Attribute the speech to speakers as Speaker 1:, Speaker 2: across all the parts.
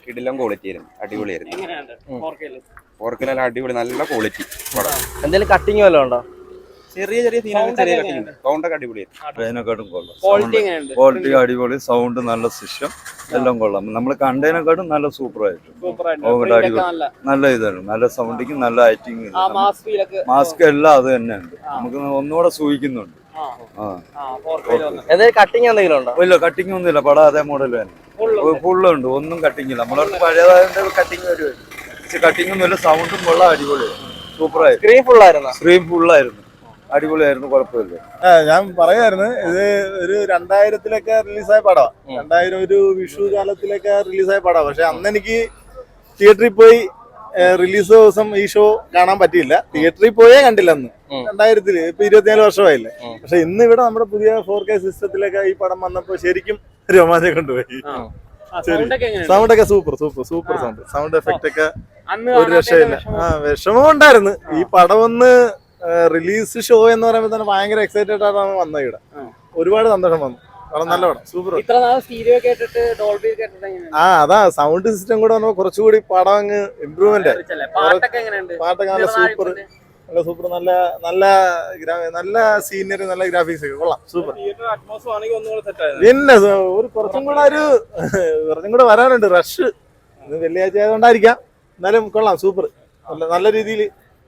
Speaker 1: കിടിലം ക്വാളിറ്റി ആയിരുന്നു, അടിപൊളിയായിരുന്നു.
Speaker 2: എങ്ങനെയുണ്ട് 4K-ല്?
Speaker 1: 4K നല്ല നല്ല ക്വാളിറ്റി പടം.
Speaker 3: എന്തെങ്കിലും കട്ടിങ് വല്ലതും ഉണ്ടോ?
Speaker 1: ചെറിയ ചെറിയ സീനൊക്കെ ചെറിയ കട്ടിങ് ഉണ്ട്. സൗണ്ടൊക്കെ അടിപൊളിയായിരുന്നു.
Speaker 4: അതിനെക്കാട്ടും കൊള്ളാം.
Speaker 2: ക്വാളിറ്റി എങ്ങനെയുണ്ട്?
Speaker 4: ക്വാളിറ്റി അടിപൊളി, സൗണ്ട് നല്ല സിസ്റ്റം എല്ലാം കൊള്ളാം. നമ്മൾ കണ്ടതിനെക്കാട്ടും നല്ല സൂപ്പറായിട്ട് നല്ല ഇതാണ്, നല്ല സൗണ്ടിങ്, നല്ല ആക്ടിങ്, മാസ്ക് എല്ലാം അത് തന്നെ ഉണ്ട്. നമുക്ക് ഒന്നുകൂടെ സൂഹിക്കുന്നുണ്ട്.
Speaker 3: കട്ടിങ് എന്തെങ്കിലും ഉണ്ടോ?
Speaker 4: ഇല്ല, കട്ടിങ് ഒന്നും ഇല്ല. പടം അതേ മോഡൽ തന്നെ ഫുള്ളുണ്ട്, ഒന്നും കട്ടിങ് ഇല്ല. നമ്മളെ പഴയതായതിന്റെ കട്ടിങ് വരുമായിരുന്നു, പക്ഷെ കട്ടിങ് ഒന്നും ഇല്ല. സൗണ്ടും കൊള്ളാം, അടിപൊളിയായിരുന്നു, സൂപ്പറായിരുന്നു. സ്ക്രീൻ ഫുള്ളായിരുന്നു, അടിപൊളിയായിരുന്നു, കുഴപ്പമില്ല.
Speaker 5: ഞാൻ പറയായിരുന്നു, ഇത് ഒരു 2000-ലൊക്കെ റിലീസായ പടമാണ്. 2000 ഒരു വിഷു കാലത്തിലൊക്കെ റിലീസായ പടമാണ്. പക്ഷെ അന്ന് എനിക്ക് തിയേറ്ററിൽ പോയി റിലീസ് ദിവസം ഈ ഷോ കാണാൻ പറ്റിയില്ല. തിയേറ്ററിൽ പോയേ കണ്ടില്ല അന്ന് 2000-ല്. ഇപ്പൊ 24 വർഷമായില്ലേ. പക്ഷെ ഇന്ന് ഇവിടെ നമ്മുടെ പുതിയ 4K സിസ്റ്റത്തിലൊക്കെ ഈ പടം വന്നപ്പോ ശരിക്കും രോമാഞ്ചം കൊണ്ടുപോയി. സൗണ്ട് ഒക്കെ സൂപ്പർ സൗണ്ട് എഫക്റ്റ് ഒക്കെ ഒരു രക്ഷയില്ല. വിഷമം ഉണ്ടായിരുന്നു. ഈ പടം ഒന്ന് റിലീസ് ഷോ എന്ന് പറയുമ്പോൾ തന്നെ ഭയങ്കര എക്സൈറ്റഡ് ആയിട്ടാണ് വന്നത് ഇവിടെ. ഒരുപാട് സന്തോഷം വന്നു. നല്ല പടം, സൂപ്പർ. അതാ സൗണ്ട് സിസ്റ്റം കൂടെ വന്നപ്പോ കുറച്ചുകൂടി പടം അങ്ങ് ഇമ്പ്രൂവ്മെന്റ് ആയി. പാട്ടൊക്കെ നല്ല സൂപ്പർ, നല്ല നല്ല സീനറി, നല്ല ഗ്രാഫിക്സ് ഒക്കെ കൊള്ളാം, സൂപ്പർ. പിന്നെ ഒരു കുറച്ചും കൂടെ വരാനുണ്ട്. റഷ് വെള്ളിയാഴ്ച ആയതുകൊണ്ടായിരിക്കാം, എന്നാലും കൊള്ളാം, സൂപ്പർ. നല്ല രീതിയിൽ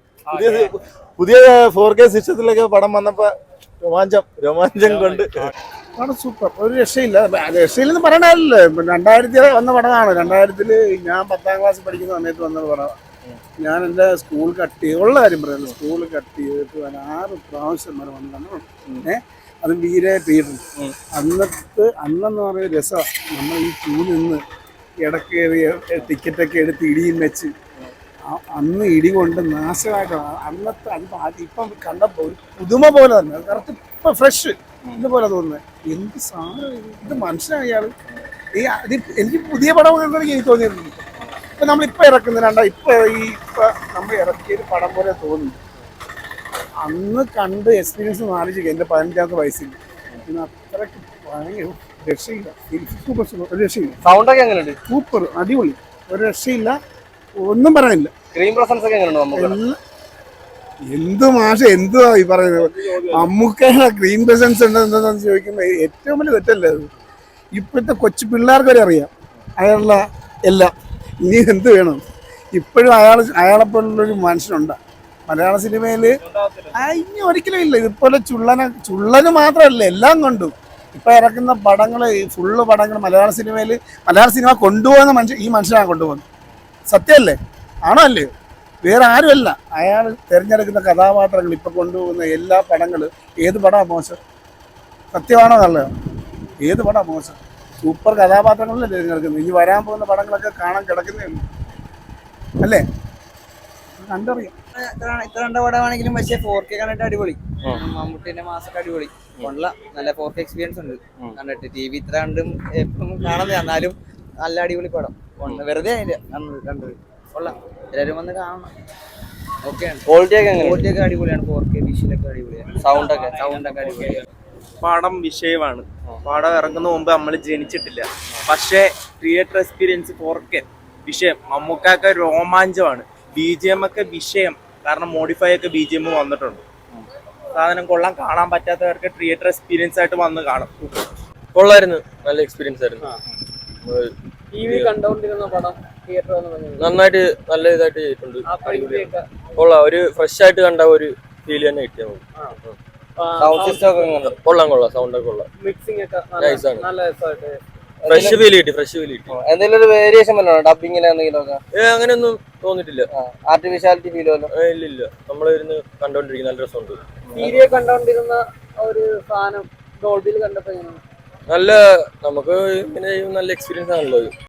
Speaker 5: പുതിയ 4K സിസ്റ്റത്തിലൊക്കെ പടം വന്നപ്പോ രോമാഞ്ചം കൊണ്ട്
Speaker 6: പടം സൂപ്പർ, ഒരു രക്ഷയില്ല. രക്ഷയില്ലെന്ന് പറയണല്ലോ. 2000 വന്ന പടമാണ്. 2000-ല് ഞാൻ 10ാം ക്ലാസ് പഠിക്കുന്ന സമയത്ത് വന്ന പടമാണ്. ഞാൻ എൻ്റെ സ്കൂൾ കട്ട് ഉള്ള കാര്യം പറയുന്നത്, സ്കൂൾ കട്ട് ചെയ്തിട്ട് 6 പ്രാവശ്യം വരെ വന്നതാണ്. അത് വീരെ തിയേറ്റർ. അന്നെന്ന് പറയുന്ന രസമാണ്. നമ്മൾ ഈ ക്യൂ നിന്ന് ഇടയ്ക്ക് ടിക്കറ്റൊക്കെ എടുത്ത് ഇടിയും വെച്ച് അന്ന് ഇടി കൊണ്ട് നാശമായിട്ടാണ് അന്നത്തെ. ഇപ്പം കണ്ടപ്പോൾ ഒരു പുതുമ പോലെ തന്നെ, കറക്റ്റ് ഇപ്പം ഫ്രഷ് ഇതുപോലെ തോന്നുന്നത്. എന്ത് സാധനം ഇത്, മനുഷ്യനാണ് ഇയാൾ. എനിക്ക് പുതിയ പടം കണ്ടെങ്കിൽ എനിക്ക് തോന്നിയിട്ടുണ്ട്. ഇപ്പം നമ്മളിപ്പോൾ ഇറക്കുന്നുണ്ട്, നമ്മൾ ഇറക്കിയൊരു പടം പോലെ തോന്നുന്നു. അന്ന് കണ്ട് എക്സ്പീരിയൻസ് ആലോചിക്കുക. എൻ്റെ 15ാമത്തെ വയസ്സിൽ പിന്നെ അത്രയ്ക്ക് ഭയങ്കര രക്ഷയില്ല. സൂപ്പർ ഒരു രക്ഷയില്ല.
Speaker 3: സൗണ്ടൊക്കെ എങ്ങനെയുണ്ട്?
Speaker 6: സൂപ്പർ, അടിപൊളി, ഒരു രക്ഷയില്ല, ഒന്നും പറയണില്ല.
Speaker 3: സ്ക്രീൻ പ്രസൻസ് ഒക്കെ എങ്ങനെയുണ്ട്?
Speaker 6: എന്ത് മാഷ എന്തുവാ ഈ പറയുന്നത്? മമ്മൂക്കയുടെ സ്ക്രീൻ പ്രസൻസ് എന്താണെന്ന് ചോദിക്കുമ്പോൾ ഏറ്റവും വലിയ തെറ്റല്ലേ അത്? ഇപ്പോഴത്തെ കൊച്ചു പിള്ളേർക്ക് വരെ അറിയാം അയാളുടെ എല്ലാം. ഇനി എന്ത് വേണം? ഇപ്പോഴും അയാളെപ്പോലുള്ളൊരു മനുഷ്യനുണ്ട് മലയാള സിനിമയിൽ. ഇനി ഒരിക്കലും ഇല്ല. ഇതുപോലെ ചുള്ളന് മാത്രമല്ല, എല്ലാം കൊണ്ടും ഇപ്പം ഇറക്കുന്ന പടങ്ങൾ, ഫുള്ള് പടങ്ങൾ മലയാള സിനിമ കൊണ്ടുപോകുന്ന ഈ മനുഷ്യനാണ് കൊണ്ടുപോകുന്നത്. സത്യമല്ലേ? ആണോ അല്ലയോ? വേറെ ആരുമല്ല. അയാൾ തിരഞ്ഞെടുക്കുന്ന കഥാപാത്രങ്ങൾ, ഇപ്പം കൊണ്ടുപോകുന്ന എല്ലാ പടങ്ങളും. ഏത് പടമാണ് മോശം? സത്യമാണോ നല്ലതോ? ഏത് പടമാണ് മോശം? സൂപ്പർ കഥാപാത്രങ്ങളല്ലേ തിരഞ്ഞെടുക്കുന്നത്. ഇനി വരാൻ പോകുന്ന പടങ്ങളൊക്കെ കാണാൻ കിടക്കുന്നേ ഉള്ളൂ, അല്ലേ? കണ്ടറിയാം.
Speaker 7: ഇത്ര കണ്ട പടമാണെങ്കിലും പക്ഷേ 4K കണ്ടിട്ട് അടിപൊളി. മമ്മൂട്ടിന്റെ മാസൊക്കെ അടിപൊളി, നല്ല 4K എക്സ്പീരിയൻസ് ഉണ്ട് കണ്ടിട്ട്. TV ഇത്ര കണ്ടും എപ്പോഴും കാണുന്നത്, എന്നാലും നല്ല അടിപൊളി പടം. വെറുതെ കണ്ടത് കൊള്ളാം. എല്ലാവരും വന്ന് കാണണം.
Speaker 3: ക്വാളിറ്റി ഒക്കെ
Speaker 7: അടിപൊളിയാണ്. 4K വിഷ്വലൊക്കെ അടിപൊളിയാണ്. സൗണ്ടൊക്കെ അടിപൊളിയാണ്.
Speaker 2: പടം വിഷയമാണ്. പടം ഇറങ്ങുന്ന മുമ്പ് നമ്മൾ ജനിച്ചിട്ടില്ല, പക്ഷേ തിയേറ്റർ എക്സ്പീരിയൻസ് 4K വിഷയം. മമ്മൂക്കൊക്കെ രോമാഞ്ചമാണ്. BGM ഒക്കെ വിഷയം, കാരണം മോഡിഫൈ ഒക്കെ BGM വന്നിട്ടുണ്ട്. സാധനം കൊള്ളാം. കാണാൻ പറ്റാത്തവർക്ക് തിയേറ്റർ എക്സ്പീരിയൻസ് ആയിട്ട് വന്ന് കാണും.
Speaker 3: കൊള്ളായിരുന്നു, നല്ല എക്സ്പീരിയൻസ് ആയിരുന്നു.
Speaker 2: TV കണ്ടോണ്ടിരുന്ന പടം തിയേറ്റർ
Speaker 3: നന്നായിട്ട് നല്ല ഇതായിട്ട് ചെയ്തിട്ടുണ്ട്. കൊള്ളാം, ഒരു ഫ്രഷ് ആയിട്ട് കണ്ട ഒരു ഫീൽ തന്നെ കിട്ടിയാൽ മതി. സൗണ്ട് സിസ്റ്റം ഒക്കെ കൊള്ളാം, സൗണ്ട് ഒക്കെ കൊള്ളാം.
Speaker 2: മിക്സിംഗ് ഒക്കെ നല്ല രസമായിട്ട്
Speaker 3: ഫ്രഷ് ഫീൽ കിട്ടി. എന്തെങ്കിലും ഒരു വേരിയേഷൻ വല്ലതും ഡബിങ്ങിൽ എന്തെങ്കിലും ഒക്കെ? അങ്ങനെയൊന്നും തോന്നിട്ടില്ല. ആർട്ടിഫിഷ്യാലിറ്റി ഫീൽ വല്ലോ? ഇല്ല, നമ്മളിരുന്ന് കണ്ടോണ്ടിരിക്കുന്ന നല്ല രസമുണ്ട്.
Speaker 2: സീരിയൽ കണ്ടോണ്ടിരുന്ന ഒരു സാധനം ഡോൾബിയിൽ കണ്ടപ്പോ എങ്ങനെയാണ്?
Speaker 3: നല്ല, നമുക്ക് ഇങ്ങനെ നല്ല എക്സ്പീരിയൻസ് ആണല്ലോ.